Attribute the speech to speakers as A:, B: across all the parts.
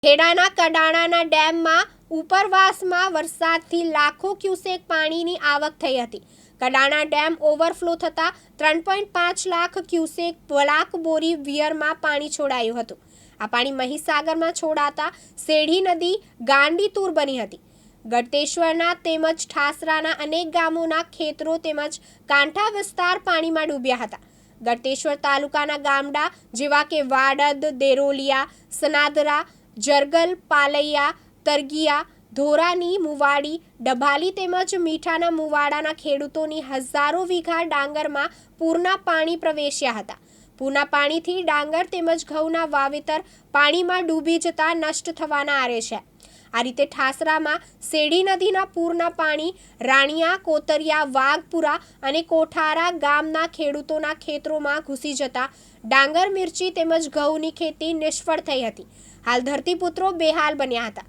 A: ખેડાના કડાણાના ડેમમાં ઉપરવાસમાં વરસાદથી લાખો ક્યુસેક પાણીની આવક થઈ હતી। કડાણા ડેમ ઓવરફ્લો થતાં 3.5 લાખ ક્યુસેક બ્લાકબોરી વિયરમાં પાણી છોડાયું હતું। આ પાણી મહીસાગરમાં છોડાતા શેરડી નદી ગાંડીતુર બની હતી। ગળતેશ્વરના તેમજ ઠાસરાના અનેક ગામોના ખેતરો તેમજ કાંઠા વિસ્તાર પાણીમાં ડૂબ્યા હતા। ગળતેશ્વર તાલુકાના ગામડા જેવા કે વાડદ, દેરોલિયા, સનાદરા, જરગલ, પાલૈયા, તરગિયા, ધોરાની, મુવાડી, ડભાલી તેમજ મીઠાના મુવાડાના ખેડૂતોની હજારો વીઘા ડાંગરમાં પૂરના પાણી પ્રવેશ્યા હતા। પૂરના પાણીથી ડાંગર તેમજ ઘઉંના વાવેતર પાણીમાં ડૂબી જતા નષ્ટ થવાના આરે છે। આ રીતે ઠાસરામાં શેરડી નદીના પૂરના પાણી રાણિયા, કોતરિયા, વાઘપુરા અને કોઠારા ગામના ખેડૂતોના ખેતરોમાં ઘૂસી જતા ડાંગર, મિર્ચી તેમજ ઘઉંની ખેતી નિષ્ફળ થઈ હતી। હાલ ધરતીપુત્રો બેહાલ બન્યા હતા।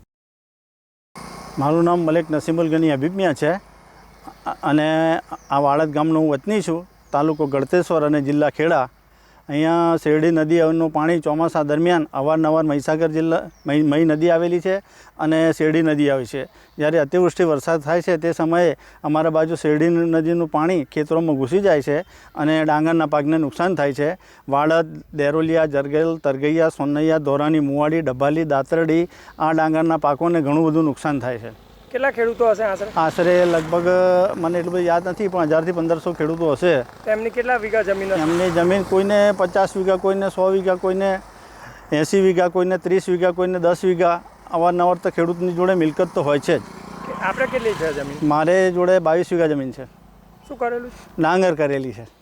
B: મારું નામ મલેક નસીમુલ ગની હબીબ મિયા છે અને આ વાડદ ગામનો હું વતની છું। તાલુકો ગળતેશ્વર અને જિલ્લા ખેડા। અહીંયા શેરડી નદીનું પાણી ચોમાસા દરમિયાન અવારનવાર મહીસાગર જિલ્લા મહી નદી આવેલી છે અને શેરડી નદી આવે છે। જ્યારે અતિવૃષ્ટિ વરસાદ થાય છે તે સમયે અમારા બાજુ શેરડી નદીનું પાણી ખેતરોમાં ઘૂસી જાય છે અને ડાંગરના પાકને નુકસાન થાય છે। વાડદ, દેરોલિયા, જરગેલ, તરગૈયા, સોનૈયા, ધોરાની, મુવાડી, ડભાલી, દાતરડી આ ડાંગરના પાકોને ઘણું બધું નુકસાન થાય છે।
C: કેટલા ખેડૂતો હશે આશરે?
B: આશરે લગભગ મને એટલું બધું યાદ નથી, પણ 1000 થી 1500 ખેડૂતો હશે।
C: એમની કેટલા વીઘા જમીન હશે?
B: એમની જમીન કોઈને 50 વીઘા, કોઈને 100 વીઘા, કોઈને 80 વીઘા, કોઈને 30 વીઘા, કોઈને 10 વીઘા। અવારનવાર તો ખેડૂતની જોડે મિલકત તો હોય છે જ।
C: આપણે કેટલી છે જમીન?
B: મારે જોડે 22 વીઘા જમીન છે।
C: શું કરેલું?
B: ડાંગર કરેલી છે।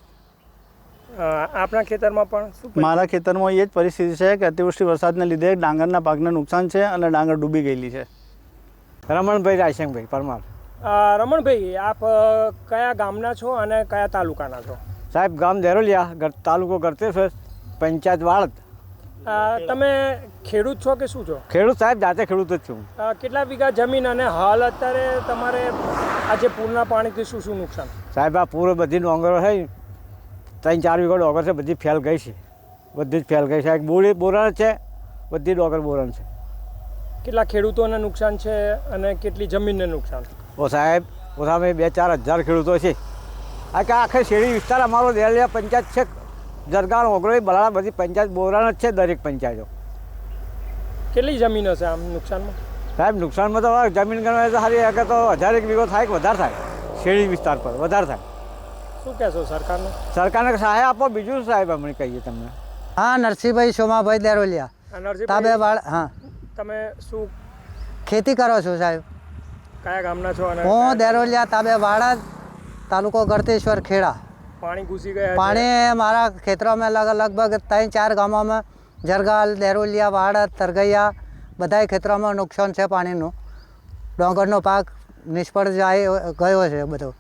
C: આપણા ખેતરમાં પણ શું?
B: મારા ખેતરમાં એ જ પરિસ્થિતિ છે કે અતિવૃષ્ટિ વરસાદને લીધે ડાંગરના પાકને નુકસાન છે અને ડાંગર ડૂબી ગયેલી છે।
D: રમણભાઈ રાયસિંગભાઈ પરમાર।
C: રમણભાઈ, આપ કયા ગામના છો અને કયા તાલુકાના છો?
D: સાહેબ, ગામ દેરોલિયા, તાલુકો ગળતેશ્વર, પંચાયત વાડદ।
C: તમે ખેડૂત છો કે શું છો?
D: ખેડૂત સાહેબ, જાતે ખેડૂત જ છું।
C: કેટલા વીઘા જમીન અને હાલ અત્યારે તમારે આજે પૂરના પાણીથી શું શું નુકસાન?
D: સાહેબ, આ પૂરો બધી ડોંગરો છે, 3-4 વીઘા ડોંગર છે, બધી ફેલ ગઈ છે, બધી જ ફેલ ગઈ છે। બોરી બોરણ છે, બધી ડોંગર બોરણ છે।
C: કેટલા ખેડૂતોને નુકસાન છે અને કેટલી જમીનને નુકસાન?
D: ઓ સાહેબ, ઓછામાં 2-4 હજાર ખેડૂતો છે। આ કે આખે શેરડી વિસ્તાર અમારો દેરોલિયા પંચાયત છે, જરગાણ, ઓગરોઈ, બલાળા બધી પંચાયત બોરાણ જ છે, દરેક પંચાયતો।
C: કેટલી જમીન હશે આમ નુકસાનમાં?
D: સાહેબ, નુકસાનમાં તો જમીન ગણવા તો સારી કે તો 1000 વીઘો થાય કે વધારે થાય, શેરડી વિસ્તાર પર વધારે થાય।
C: શું કહેશો સરકારને?
D: સરકારને સહાય આપો, બીજું સાહેબ અમે કહીએ તમને।
E: હા, નરસિંહભાઈ સોમાભાઈ દેરોલિયા, તાબેવાડ। હા,
C: તમે શું
E: ખેતી કરો છો સાહેબ?
C: કયા ગામના છો? અને
E: હું દેરોલિયા, તાબેવાડ, તાલુકો ગળતેશ્વર, ખેડા।
C: પાણી ઘૂસી ગયા?
E: પાણી મારા ખેતરોમાં લગભગ 3-4 ગામોમાં જરગાલ, દેરોલિયા, વાડદ, તરગૈયા બધાય ખેતરોમાં નુકસાન છે પાણીનું। ડોંગરનો પાક નિષ્ફળ ગયો છે બધો।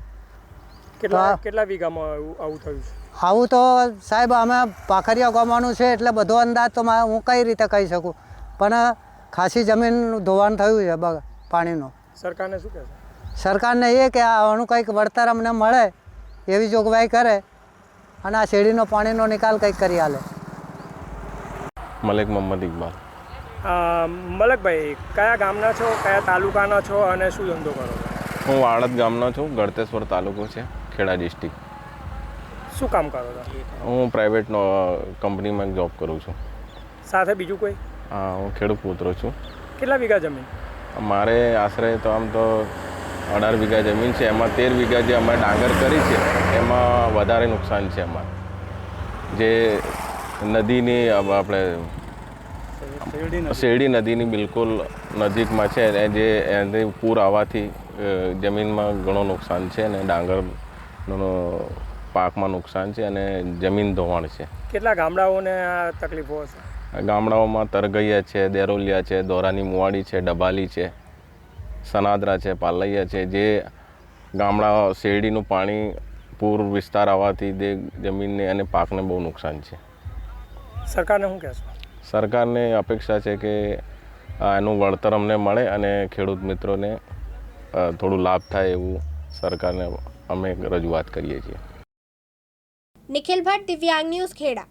C: કેટલા વીઘામાં આવું થયું છે?
E: આવું તો સાહેબ અમે પાખરિયા ગામનું છે એટલે બધો અંદાજ તો હું કઈ રીતે કહી શકું, પણ ખાસી જમીન ધોવાણ થયું છે પાણીનું।
C: સરકારને શું કહેશો?
E: સરકારને એ કે આનું કંઈક વળતર અમને મળે એવી જોગવાઈ કરે અને આ શેરડીનો પાણીનો નિકાલ કંઈક કરી આલે।
F: મલેક મોહમ્મદ ઇકબાલ।
C: મલકભાઈ, કયા ગામના છો, કયા તાલુકાના છો અને શું ધંધો કરો?
F: હું વાડદ ગામનો છું, ગળતેશ્વર તાલુકો છે, ખેડા ડિસ્ટ્રિક્ટ।
C: શું કામ કરો છો?
F: હું પ્રાઇવેટ કંપનીમાં જોબ કરું છું।
C: સાથે બીજું કોઈ?
F: હા, હું ખેડૂત પુત્ર છું।
C: કેટલા વીઘા જમીન?
F: મારે આશરે તો આમ તો 18 વીઘા જમીન છે। એમાં 13 વીઘા જે અમે ડાંગર કરી છે એમાં વધારે નુકસાન છે અમારે। જે નદીની આપણે શેરડી નદીની બિલકુલ નજીકમાં છે, જે એને પૂર આવવાથી જમીનમાં ઘણું નુકસાન છે અને ડાંગરનો પાકમાં નુકસાન છે અને જમીન ધોવાણ છે।
C: કેટલા ગામડાઓને આ તકલીફો હશે?
F: ગામડાઓમાં તરગૈયા છે, દેરોલિયા છે, ધોરાની, મુવાડી છે, ડભાલી છે, સનાદરા છે, પાલૈયા છે। જે ગામડા શેરડીનું પાણી પૂર વિસ્તાર આવવાથી તે જમીનને અને પાકને બહુ નુકસાન છે।
C: સરકારને શું કહેશો?
F: સરકારને અપેક્ષા છે કે એનું વળતર અમને મળે અને ખેડૂત મિત્રોને થોડું લાભ થાય એવું સરકારને અમે રજૂઆત કરીએ છીએ।
A: નિખિલ ભટ્ટ, દિવ્યાંગ ન્યૂઝ, ખેડા।